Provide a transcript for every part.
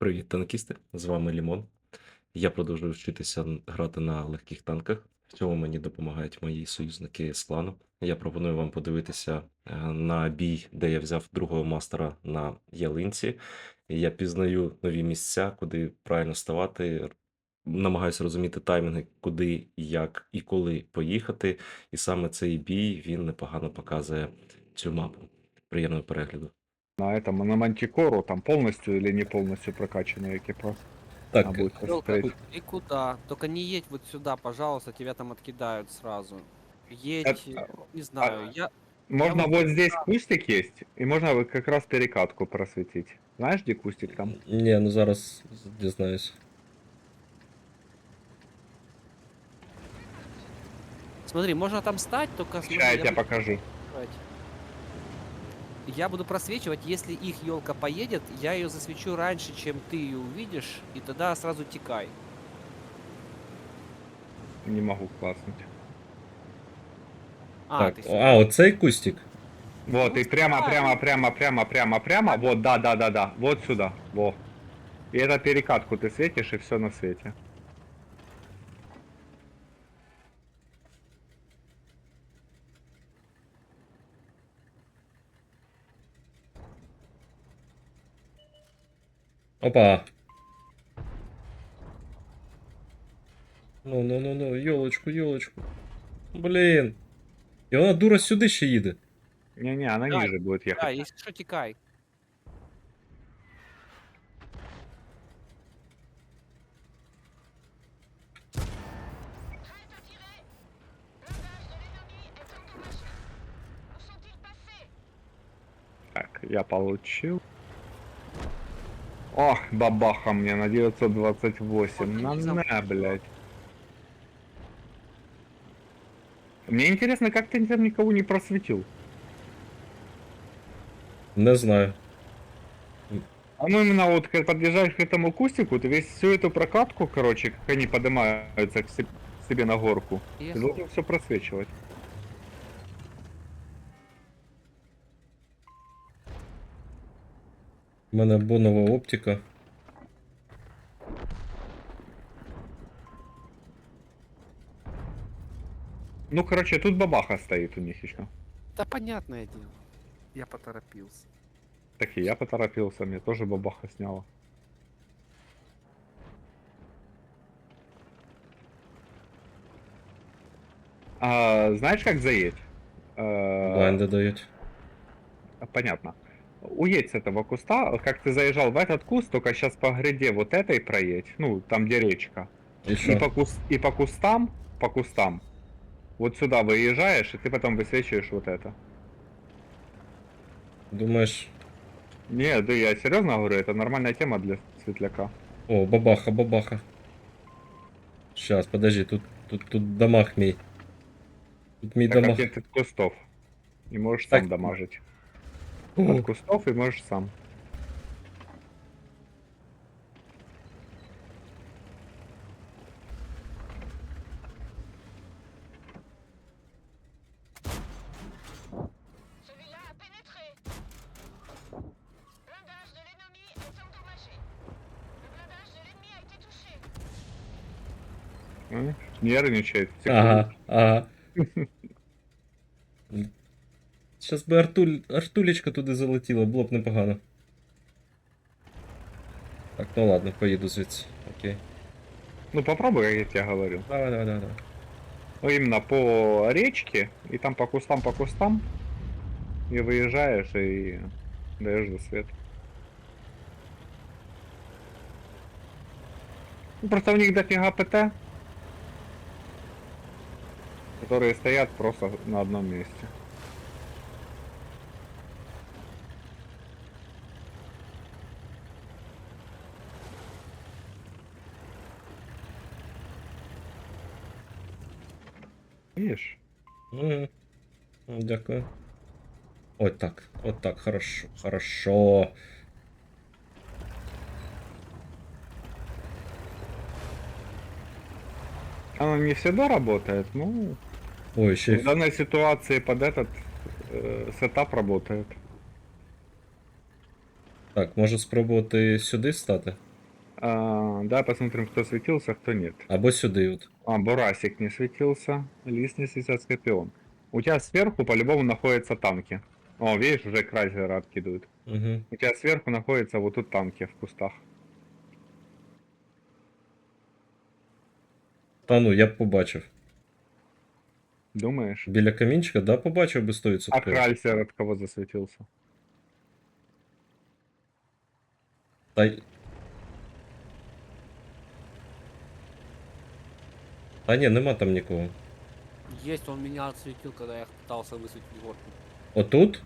Привіт, танкісти! З вами Лімон. Я продовжую вчитися грати на легких танках. В цьому мені допомагають мої союзники з клану. Я пропоную вам подивитися на бій, де я взяв другого мастера на ялинці. І я пізнаю нові місця, куди правильно ставати. Намагаюся розуміти таймінги, куди, як і коли поїхати. І саме цей бій він непогано показує цю мапу. Приємного перегляду. На этом, на Мантикору, там полностью или не полностью прокачанный экипаж. Так, Надо будет Ёлка, посмотреть. и куда? Только не едь вот сюда, пожалуйста, тебя там откидают сразу. Едь, Это- не знаю, Можно вот вот здесь кустик есть, и можно вот как раз перекатку просветить. Знаешь, где кустик там? Ні, ну зараз дізнаюсь. Смотри, можно там стать, только смотри, Сейчас я тебе буду покажу. просвечивать. Я буду просвечивать, если их елка поедет, я ее засвечу раньше, чем ты ее увидишь, и тогда сразу текай. Не могу класснуть. Так, Ты сюда. оцей кустик. Вот, Ну, и прямо, ставь. прямо. Вот, да. Вот сюда. Во. И это перекатку ты светишь, и все на свете. Опа. Ну, ёлочку. Блін. І вона дура сюди ще їде. Не-не, она Да, ниже будет Да, ехать. если что, текай. Так, я получил. Ох, бабаха мне на 928. На, блядь. Мне интересно, как ты там никого не просветил? Не знаю. А ну именно вот, когда подъезжаешь к этому кустику, ты весь всю эту прокатку, короче, как они поднимаются к себе на горку, ты Ехал. должен все просвечивать. У мене бонова оптика. Ну, короче, тут бабаха стоит у них еще. Да понятное дело. Я поторопился. Так и я поторопился, мне тоже бабаха сняла. Знаешь, как заедь? Блайнди дають. Понятно. Уедь с этого куста, как ты заезжал в этот куст, только сейчас по гряде вот этой проедь, ну, там где речка. І И що? по кустам, вот сюда выезжаешь, и ты потом высвечиваешь вот это. Думаєш. Не, да я серьезно говорю, это нормальная тема для светляка. О, бабаха. Щас, подожди, тут дамаг мій. Тут мій Так дамаг. как от кустов. И можешь Так. сам дамажить. О, От кустов и можешь сам. Celui-là a pénétré. Blindage de l'ennemi est endommagé. Le blindage de l'ennemi a été touché. Нервничает. ага. Щас би Артулечка туди залетіла, було б непогано. Так, ну ладно, поїду звідси. Окей. Ну попробуй, как я тебе говорил. Давай. Ну именно по речке, и там по кустам, и выезжаешь, и даешь засвет. Ну, просто у них дофига ПТ, которые стоят просто на одном месте. Видишь? Мгм. Дякую. От так, хорошо. Оно не всегда работает, ну, Ой, ще в данной ситуации под этот сетап работает. Так, може спробувати сюди стати? Да, посмотрим, кто светился, кто нет. Або сюди от. Бурасик не светился, лис не светился, Скорпион. У тебя сверху по-любому находятся танки. О, видишь, уже крайзера откидывают. Угу. У тебя сверху находятся вот тут танки в кустах. Та ну, я б побачив. Думаешь? Біля камінчика, да, побачив би А 100%. крайзер от кого засветился? Та... й- Та ні, нема там нікого. Есть, он меня отсветил, когда я пытался высветить горку. Отут?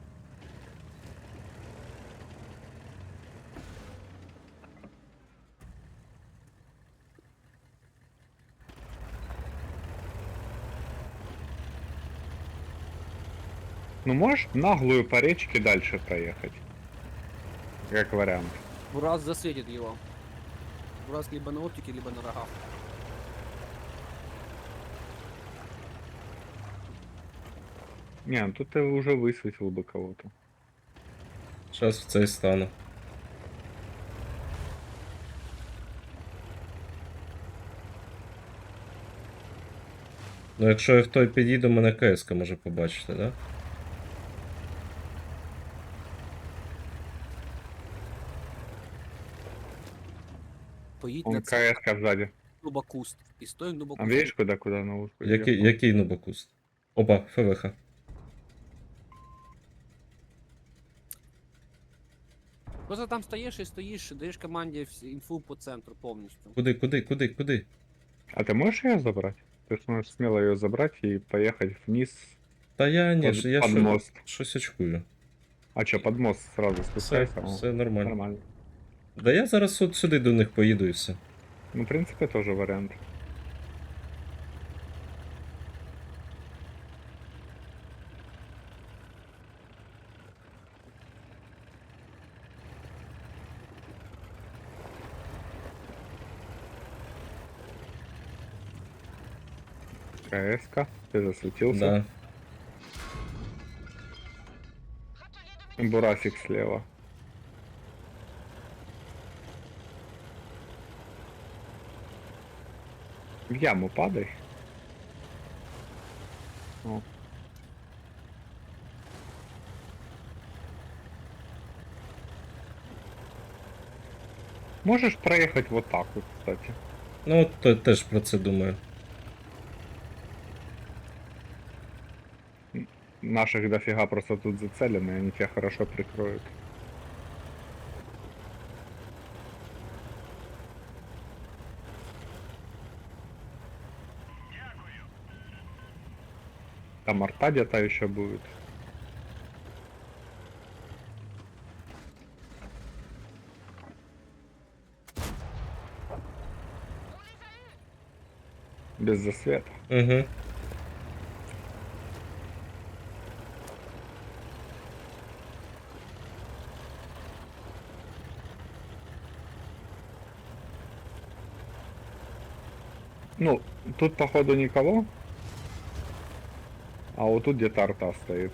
Ну, можешь наглую по речке дальше проехать? Как вариант. Бурас засветит его. Бурас либо на оптике, либо на рогах. Не, ну тут ты уже высветил бы кого-то. Зараз в цей стану. Ну, якщо я в той підійду, мене КС може побачити, да? Поедь Он на цель, КС сзади. куст. И стой в А видишь, куда на ушку Який нубокуст? Опа, ФВХ. Просто там стоишь и стоишь, даешь команде инфу по центру полностью. Куди? А ты можешь ее забрать? Ты сможешь смело ее забрать и поехать вниз Та я ні, под, я под що, мост. щось очкую. А что, под мост сразу Все, спускайся? О, все нормально. нормально. Да я зараз от сюди до них поїду і все. Ну, в принципе, тоже вариант. КС-ка, ты засветился. Да. Râtelier de Бурасик слева. В яму падай. О. Можешь проехать вот так вот, кстати. Ну от теж про це думаю. Наших дофига просто тут зацелены, они тебя хорошо прикроют. Там арта где-то еще будет. Без засвета. Угу. Ну, тут походу никого. А вот тут где-то арта стоит.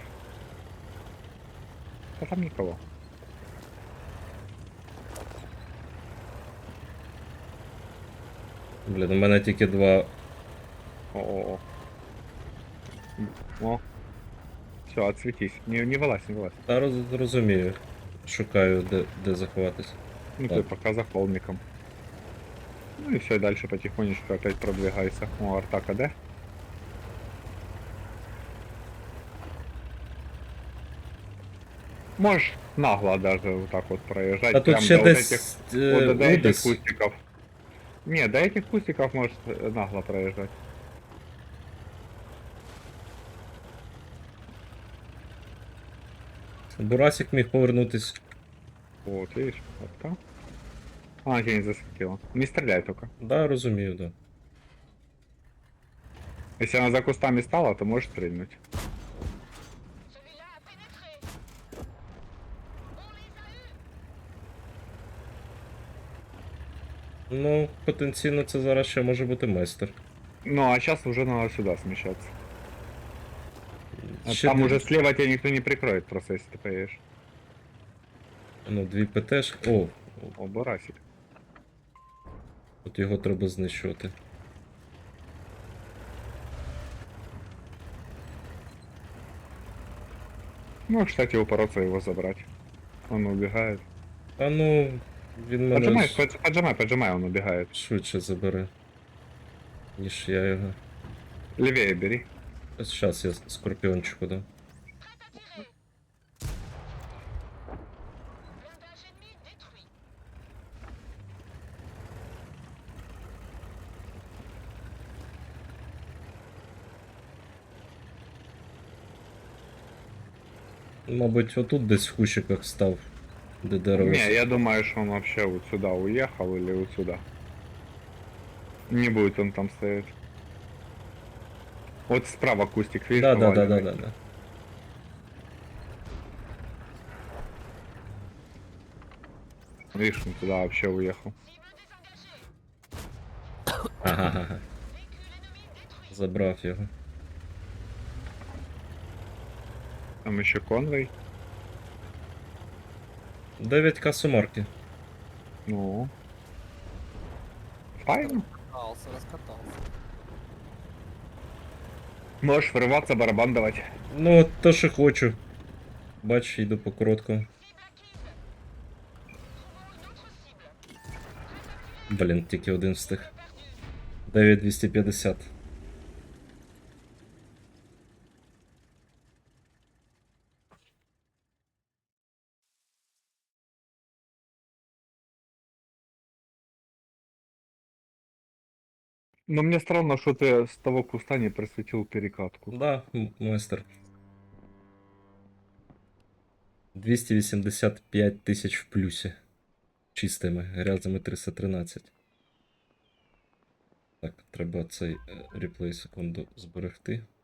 А там никого. Блін, у мене тільки два. О. О. Все, отсветись. Не вылазь, не вылазь. Та розумію. Шукаю, де заховатись. Ну Так. ты пока за холмиком. Ну и все, дальше потихонечку опять продвигайся. О, арта КД. Можешь нагло даже вот так вот проезжать. А тут прям ще до вот десь вот до этих Удес. кустиков. Не, до этих кустиков можешь нагло проезжать. Бурасик міг повернутись. Вот, видишь, арта. А, тебя не засветила. Не стреляй только. Да, розумію, да. Если она за кустами стала, то можешь стрельнуть. Celui-là a pénétré. On les a eus. Ну, потенційно це зараз ще може бути майстер. Ну, а сейчас уже надо сюда смещаться. А Ще там дві- уже слева тебя никто не прикроет, просто если ты поедешь. Ну, дві ПТш. О, О, барасик. От його треба знищувати. Ну, кстати, упороться его забрать. Он убегает. А ну, він мене Поджимай, поджимай, поджимай, он убегает. швидше забере, ніж я його. Левее бери. Зараз я скорпіончику дам. Blindage ennemi détruit. Мабуть, отут десь в кущиках став, де дерево. Не, я думаю, что он вообще вот сюда уехал или вот сюда. Не будет он там стоять. Вот справа кустик, видишь, Да, да, да, да, поваленный? да, да. Видишь, он туда вообще уехал. Cible désengagée. Ага, Véhicule ennemi détruit. забрав його. Там еще конвой. 9к сумарки. Ну. Файно. Раскатался. Можешь врываться, барабан давать. Ну, от то, що хочу. Бач, йду по короткому. Cible acquise. Trouvons une autre cible. Блін, тільки один встиг. Perdu. 9250. Но мне странно, что ты с того куста не просветил перекатку. Да, майстер. 285 тисяч в плюсі. Чистими, грязами 313. Так, треба цей реплей секунду зберегти.